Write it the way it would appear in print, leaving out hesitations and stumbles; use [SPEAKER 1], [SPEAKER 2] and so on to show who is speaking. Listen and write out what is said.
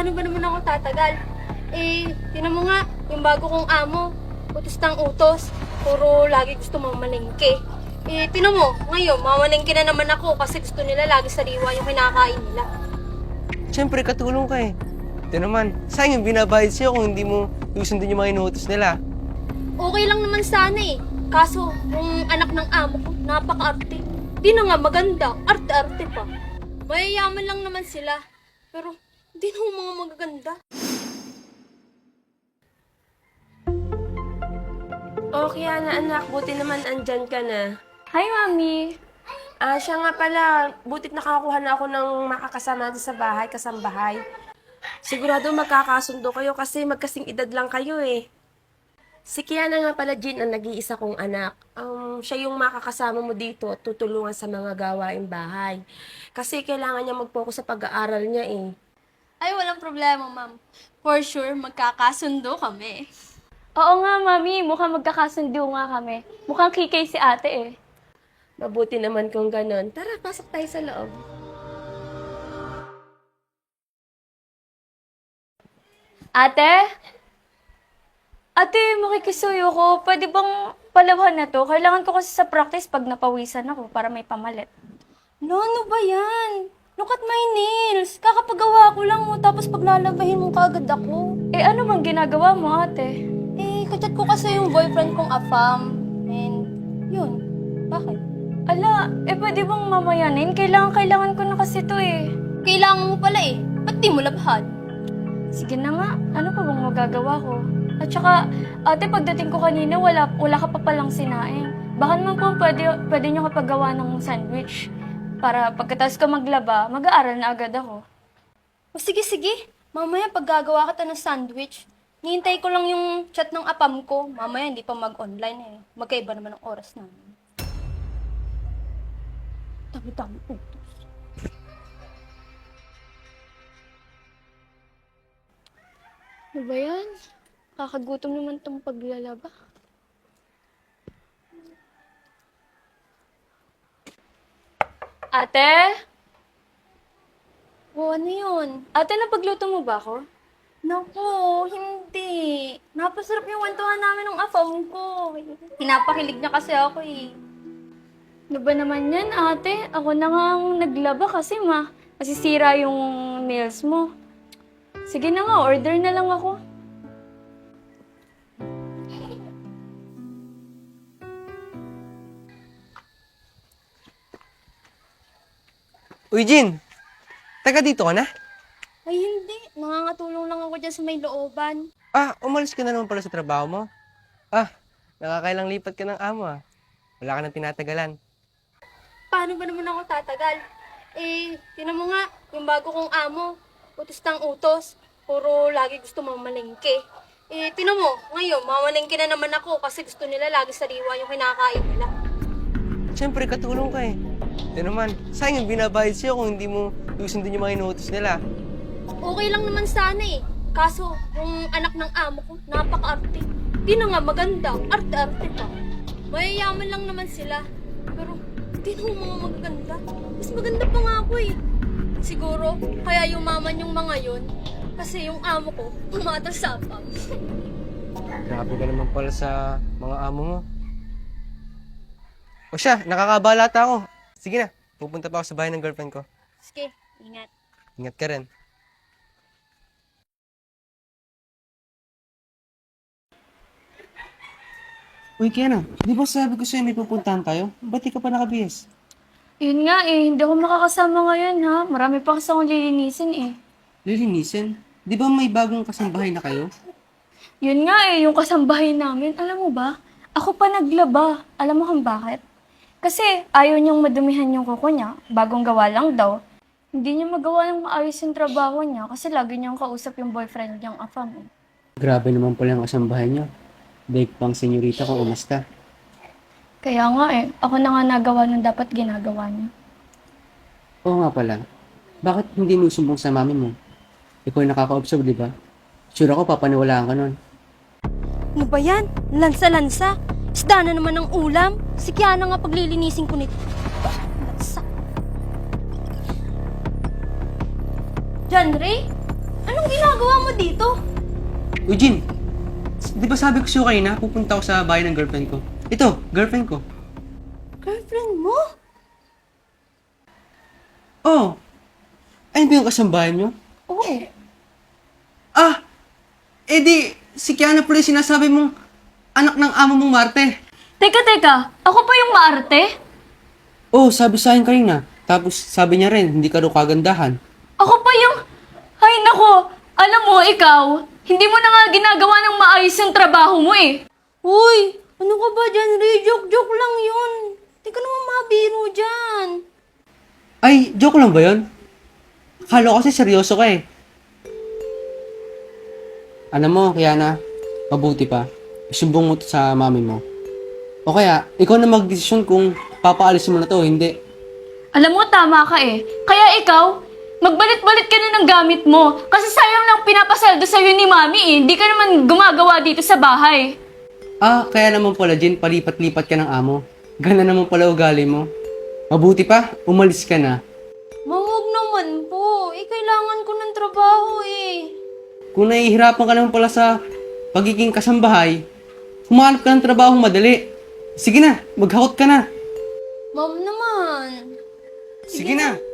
[SPEAKER 1] Paano ba naman ako tatagal? Tinan mo nga, yung bago kong amo, utos ng utos, puro lagi gusto mamalengke. Tinan mo, ngayon, mamalengke na naman ako kasi gusto nila lagi sariwa yung kinakain nila.
[SPEAKER 2] Siyempre, katulong ka eh. Ito naman, sayang yung binabayad sa'yo kung hindi mo susundin yung mga inuutos nila.
[SPEAKER 1] Okay lang naman sana eh. Kaso, yung anak ng amo ko, napaka-arte. Di na nga maganda, arte-arte pa. Mayayaman lang naman sila, pero di na mga magaganda.
[SPEAKER 3] Okay na anak, buti naman andyan ka na.
[SPEAKER 4] Hi, Mami!
[SPEAKER 3] Siya nga pala, butit nakakuha na ako ng makakasama sa bahay, kasambahay. Sigurado magkakasundo kayo kasi magkasing edad lang kayo eh. Si Kiana nga pala, Jean, ang nag-iisa kong anak. Siya yung makakasama mo dito at tutulungan sa mga gawaing bahay. Kasi kailangan niya mag-focus sa pag-aaral niya eh.
[SPEAKER 1] Ay, walang problema, ma'am. For sure, magkakasundo kami.
[SPEAKER 4] Oo nga, Mami. Mukhang magkakasundo nga kami. Mukhang kikay si ate eh.
[SPEAKER 3] Mabuti naman kung ganon. Tara, pasok tayo sa loob.
[SPEAKER 4] Ate? Ate, makikisuyo ko. Pwede bang palawhan na to? Kailangan ko kasi sa practice pag napawisan ako para may pamalit.
[SPEAKER 1] No, ano ba yan? Look at my nails. Kakapagawa ko lang mo, tapos paglalabahin mo kaagad ako.
[SPEAKER 4] Ano bang ginagawa mo, ate?
[SPEAKER 1] Kachat ko kasi yung boyfriend kong afam. And, yun. Bakit?
[SPEAKER 4] Ala, pwede bang mamayanin? Kailangan ko na kasi to eh.
[SPEAKER 1] Kailangan mo pala eh. Ba't di mo labhad?
[SPEAKER 4] Sige na nga, ano pa bang magagawa ko? At saka, ate, pagdating ko kanina, wala ka pa palang sinaing. Baka naman po pwede nyo kapagawa ng sandwich. Para pagkatapos ko maglaba, mag-aaral na agad ako.
[SPEAKER 1] O sige. Mamaya pag gagawa kita ng sandwich, hihintay ko lang yung chat ng apam ko. Mamaya hindi pa mag-online eh. Magkaiba naman ang oras namin. Dami-dami utos.
[SPEAKER 4] Ano ba yan? Kakagutom naman tong paglalaba. Ate?
[SPEAKER 1] O ano yun?
[SPEAKER 4] Ate, napagluto mo ba ako?
[SPEAKER 1] Naku, hindi. Napasarap yung wentuhan namin ng afam ko. Pinapakilig niya kasi ako eh.
[SPEAKER 4] Ano ba naman yan, ate? Ako na nga ang naglaba kasi masisira yung nails mo. Sige na nga, order na lang ako.
[SPEAKER 2] Uy, Jin! Taga dito ka na?
[SPEAKER 1] Ay hindi, nangangatulong lang ako dyan sa may looban.
[SPEAKER 2] Umalis ka na naman pala sa trabaho mo. Nakakailang lipat ka ng amo ah. Wala ka nang tinatagalan.
[SPEAKER 1] Paano ba naman ako tatagal? Tinan mo nga, yung bago kong amo, utos ng utos, puro lagi gusto mamalengke. Tinan mo, ngayon, mamalengke na naman ako kasi gusto nila lagi sariwa yung kinakain nila.
[SPEAKER 2] Siyempre, katulong ka eh. Ito naman, sayang yung binabayad sa'yo kung hindi mo susundin yung mga inuutos nila.
[SPEAKER 1] Okay lang naman sana eh. Kaso, yung anak ng amo ko, napaka-arte. Di na nga maganda, arte-arte pa. Mayayaman lang naman sila. Pero, di na mga magaganda. Mas maganda pa nga ako eh. Siguro, kaya yumaman yung mga yun. Kasi yung amo ko, pumatas sa apam.
[SPEAKER 2] Grabe ka naman pala sa mga amo mo. O siya, nakakabalata ako. Sige na, pupunta pa ako sa bahay ng girlfriend ko.
[SPEAKER 1] Sige, ingat.
[SPEAKER 2] Ingat ka rin. Uy, Kiana, di ba sabi ko sa'yo may pupuntahan tayo? Ba't di ka pa nakabihis?
[SPEAKER 4] Yun nga hindi ako makakasama ngayon ha. Marami pa kasi akong lilinisin eh.
[SPEAKER 2] Lilinisin? Di ba may bagong kasambahay na kayo?
[SPEAKER 4] Yun nga yung kasambahay namin. Alam mo ba, ako pa naglaba. Alam mo kung bakit? Kasi ayaw niyang madumihan yung kuko niya. Bagong gawa lang daw. Hindi niya magawa ng maayos yung trabaho niya kasi lagi niyang kausap yung boyfriend niyang afam.
[SPEAKER 2] Grabe naman pala ang kasambahay niyo. Daig pang senyorita kung umasta.
[SPEAKER 4] Kaya nga ako na nga nagawa ng dapat ginagawa niya.
[SPEAKER 5] Oo nga pala. Bakit hindi mo sumbong sa mami mo? Ikaw yung nakaka-observe, di ba? Sure ako, papaniwalaan ka nun.
[SPEAKER 1] Ano ba yan? Lansa-lansa? Isda na naman ng ulam? Si Kiana nga paglilinisin ko nito. Lansa. John Ray? Anong dito?
[SPEAKER 5] Eugene, di ba sabi ko sa'yo kanina, pupunta ako sa bahay ng girlfriend ko? Ito, girlfriend ko.
[SPEAKER 1] Girlfriend mo?
[SPEAKER 5] Oh, ayun ba yung kasambahay nyo?
[SPEAKER 1] Oo.
[SPEAKER 5] Ah, edi, si Kiana pala yung sinasabi mong anak ng amo mong Marte.
[SPEAKER 4] Teka, ako pa yung maarte?
[SPEAKER 5] Oh, sabi sa akin kanina. Tapos sabi niya rin, hindi ka daw kagandahan.
[SPEAKER 4] Ako pa yung... Ay nako, alam mo, ikaw, hindi mo na nga ginagawa ng maayos yung trabaho mo eh.
[SPEAKER 1] Uy, ano ka ba dyan, Ray? Joke lang yun. Di ka naman mabiro dyan.
[SPEAKER 5] Ay, joke lang ba yun? Akala ko kasi seryoso ka eh. Alam mo, Kiana, mabuti pa. Isumbong mo to sa mami mo. O kaya, ikaw na magdesisyon kung papaalisin mo na to o hindi.
[SPEAKER 4] Alam mo, tama ka eh. Kaya ikaw, magbalit-balit ka na ng gamit mo. Kasi sayang lang pinapasалdo sa'yo ni mami eh. Hindi ka naman gumagawa dito sa bahay.
[SPEAKER 5] Ah, kaya naman pala, Jen, palipat-lipat ka ng amo. Gana naman pala ugali mo. Mabuti pa, umalis ka na.
[SPEAKER 1] Mawag naman po. Kailangan ko ng trabaho eh.
[SPEAKER 5] Kung nahihirapan ka naman pala sa pagiging kasambahay, humanap ka ng trabaho madali. Sige na, maghakot ka na.
[SPEAKER 1] Ma'am naman.
[SPEAKER 5] Sige na.